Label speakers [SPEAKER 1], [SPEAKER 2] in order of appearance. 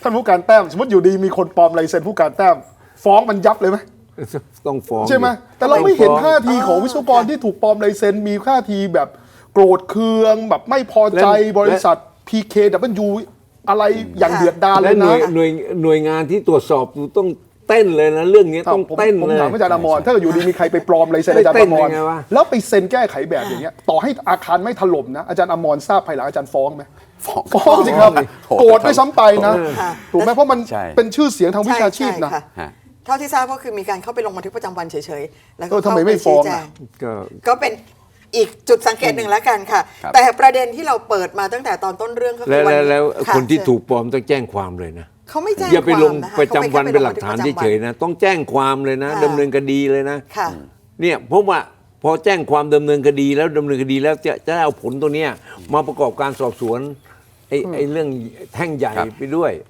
[SPEAKER 1] ท่านผู้การแต้มสมมติอยู่ดีมีคนปลอมลายเซ็นผู้การแต้มฟ้องมันยับเลยไหม
[SPEAKER 2] ต้องฟ้อง
[SPEAKER 1] ใช่ไหมแต่เราไม่เห็นท่าทีของวิศวกรที่ถูกปลอมลายเซ็นมีท่าทีแบบโกรธเคืองแบบไม่พอใจบริษัท PKW อะไรอย่างเดือดดาลเล
[SPEAKER 2] และ
[SPEAKER 1] ย
[SPEAKER 2] หน่
[SPEAKER 1] นะ
[SPEAKER 2] วยหน่วยงานที่ตรวจสอบต้องเต้นเลยนะเรื่องนี้ต้องเต้น
[SPEAKER 1] ผม
[SPEAKER 2] เลย
[SPEAKER 1] ถามอาจารย์อมรถ้าเกิดอยู่ดีมีใครไปปลอมลายเซ็นอาจารย์อมร
[SPEAKER 2] ไม่เต้นยังไงวะ
[SPEAKER 1] แล้วไปเซ็นแก้ไขแบบอย่างเงี้ยต่อให้อาคารไม่ถล่มนะอาจารย์อมรทราบภายหลังอาจารย์ฟ้องไหมฟ้องสิครับโกรธด้วยซ้ำไปนะถูกไหมเพราะมัน
[SPEAKER 3] ใช่
[SPEAKER 1] เป็นชื่อเสียงทางวิชาชีพนะ
[SPEAKER 4] ใค่
[SPEAKER 3] ฮะ
[SPEAKER 4] เท่าที่ทราบก็คือมีการเข้าไปลงบันทึกประจำวันเฉยๆ แล้วก็
[SPEAKER 1] ทำไมไม่ฟ้อง
[SPEAKER 4] เข้าปชี้แจ
[SPEAKER 1] อ่ะ
[SPEAKER 2] ก็
[SPEAKER 4] ก็เป็นอีกจุดสังเกตหนึ่งแล้วกันค่ะ
[SPEAKER 3] ครับ
[SPEAKER 4] แต่ประเด็นที่เราเปิดมาตั้งแต่ตอนต้นเรื่องก็คื
[SPEAKER 2] แล้ว
[SPEAKER 4] วัน
[SPEAKER 2] แล้ว
[SPEAKER 4] ค่ะ
[SPEAKER 2] คนที่
[SPEAKER 4] เชิญ
[SPEAKER 2] ถูกปลอมต้องแจ้งความเลยนะ
[SPEAKER 4] เขาไม่แจ้ง
[SPEAKER 2] อย่าไปลง
[SPEAKER 4] ความนะคะ
[SPEAKER 2] ประจำวัน
[SPEAKER 4] ขา
[SPEAKER 2] เป็นหลักฐาน
[SPEAKER 4] แค่ไปลงบันทึกประจำวัน
[SPEAKER 2] เฉยๆนะต้องแจ้งความเลยนะ
[SPEAKER 4] ค่ะ
[SPEAKER 2] ดำเนินคดีเลยนะ
[SPEAKER 4] ค่ะ
[SPEAKER 2] เนี่ยเพราะว่าพอแจ้งความดำเนินคดีแล้วดำเนินคดีแล้วจะเอาผลตัวเนี้ยมาประกอบการสอบสวนไอ้เรื่องแท่งใหญ่
[SPEAKER 3] ครับ
[SPEAKER 2] ไปด้วย